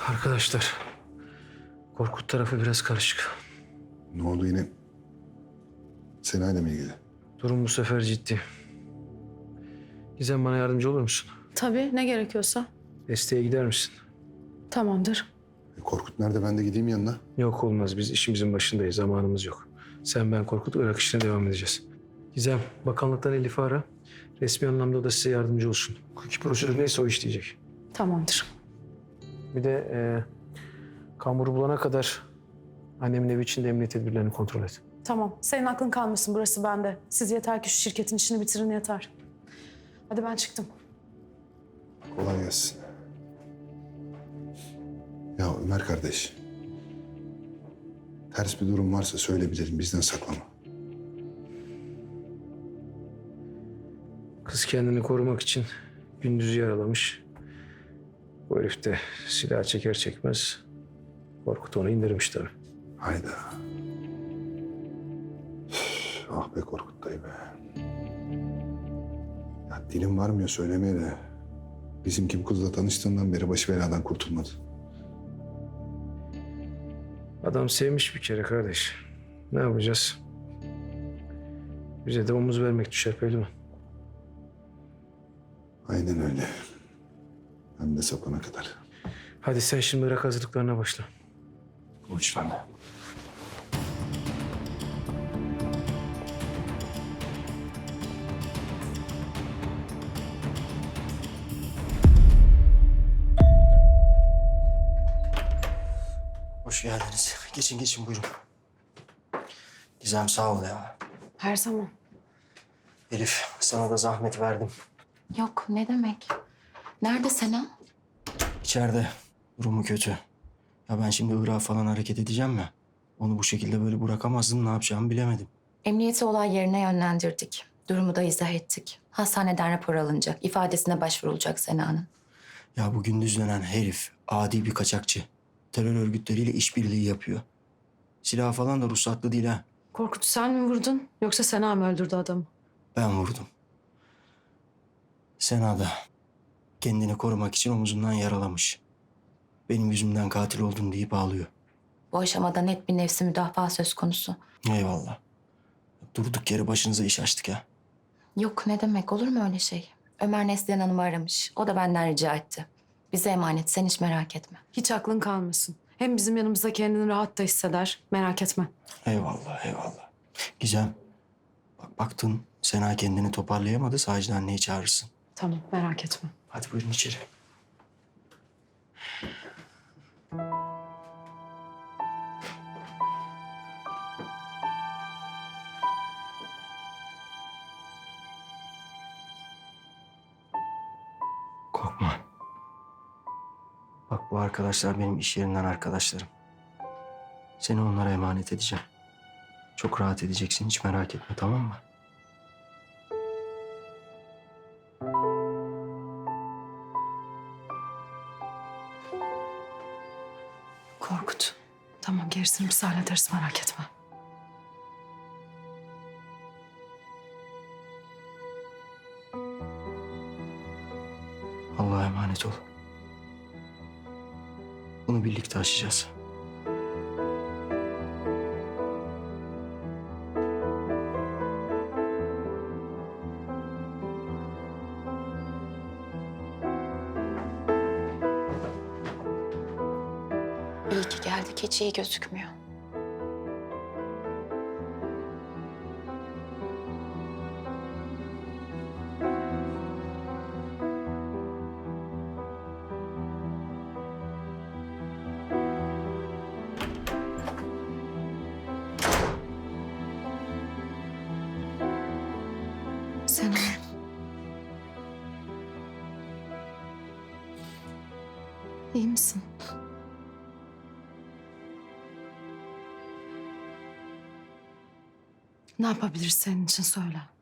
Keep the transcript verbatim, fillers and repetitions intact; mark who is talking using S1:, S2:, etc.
S1: Arkadaşlar, Korkut tarafı biraz karışık.
S2: Ne oldu yine? Senayla mı ilgili?
S1: Durum bu sefer ciddi. Gizem, bana yardımcı olur musun?
S3: Tabii, ne gerekiyorsa.
S1: Desteğe gider misin?
S3: Tamamdır.
S2: E, Korkut nerede? Ben de gideyim yanına.
S1: Yok, olmaz. Biz işimizin başındayız. Zamanımız yok. Sen, ben, Korkut Irak işine devam edeceğiz. Gizem, bakanlıktan Elif'i ara. Resmi anlamda o da size yardımcı olsun. Hukuki prosedür neyse o işleyecek.
S3: Tamamdır.
S1: Bir de e, Kamur'u bulana kadar annemin evi içinde emniyet tedbirlerini kontrol et.
S3: Tamam. Senin aklın kalmasın. Burası bende. Siz yeter ki şu şirketin işini bitirin yeter. Hadi ben çıktım.
S2: Kolay gelsin. Ya Ömer kardeş. Ters bir durum varsa söyle bilelim. Bizden saklama.
S1: Kız kendini korumak için gündüzü yaralamış. Bu herif de silah çeker çekmez Korkut onu indirmiş tabii.
S2: Hayda. Üf, ah be Korkut dayı be. Ya dilim varmıyor söylemeye de. Bizimki bu kızla tanıştığından beri başı beladan kurtulmadı.
S1: Adam sevmiş bir kere kardeş. Ne yapacağız? Bize de omuz vermek düşer pehlivan.
S2: Aynen öyle. Hem de sapana kadar.
S1: Hadi sen şimdi Irak hazırlıklarına başla.
S2: Uç bende.
S4: Hoş geldiniz. Geçin geçin buyurun. Gizem sağ ol ya.
S3: Her zaman.
S4: Elif sana da zahmet verdim.
S5: Yok, ne demek? Nerede Sena?
S4: İçeride durumu kötü. Ya ben şimdi Irak'a falan hareket edeceğim mi? Onu bu şekilde böyle bırakamazdım. Ne yapacağımı bilemedim.
S5: Emniyeti olay yerine yönlendirdik. Durumu da izah ettik. Hastaneden rapor alınacak. İfadesine başvurulacak Sena'nın.
S4: Ya bu gündüz dönen herif adi bir kaçakçı. Terör örgütleriyle işbirliği yapıyor. Silah falan da ruhsatlı değil ha.
S3: Korkut sen mi vurdun yoksa Sena mı öldürdü adamı?
S4: Ben vurdum. Sena da kendini korumak için omuzundan yaralamış. Benim yüzümden katil oldun deyip ağlıyor.
S5: Bu aşamada net bir nefsi müdafaa söz konusu.
S4: Eyvallah. Durduk yere başınıza iş açtık ya.
S5: Yok, ne demek? Olur mu öyle şey? Ömer Neslihan Hanım'ı aramış. O da benden rica etti. Bize emanet, sen hiç merak etme.
S3: Hiç aklın kalmasın. Hem bizim yanımızda kendini rahat da hisseder. Merak etme.
S4: Eyvallah, eyvallah. Gizem, bak baktın Sena kendini toparlayamadı. Sacide anneyi çağırırsın.
S3: Tamam, merak etme.
S4: Hadi buyurun içeri. Korkma. Bak bu arkadaşlar benim iş yerinden arkadaşlarım. Seni onlara emanet edeceğim. Çok rahat edeceksin, hiç merak etme, tamam mı?
S3: Korkut. Tamam, gerisini biz hallederiz, merak etme.
S4: Allah'a emanet ol. Bunu birlikte aşacağız.
S5: İyi ki geldik, hiç iyi gözükmüyor. Sena.
S3: İyi misin? Ne yapabiliriz senin için söyle.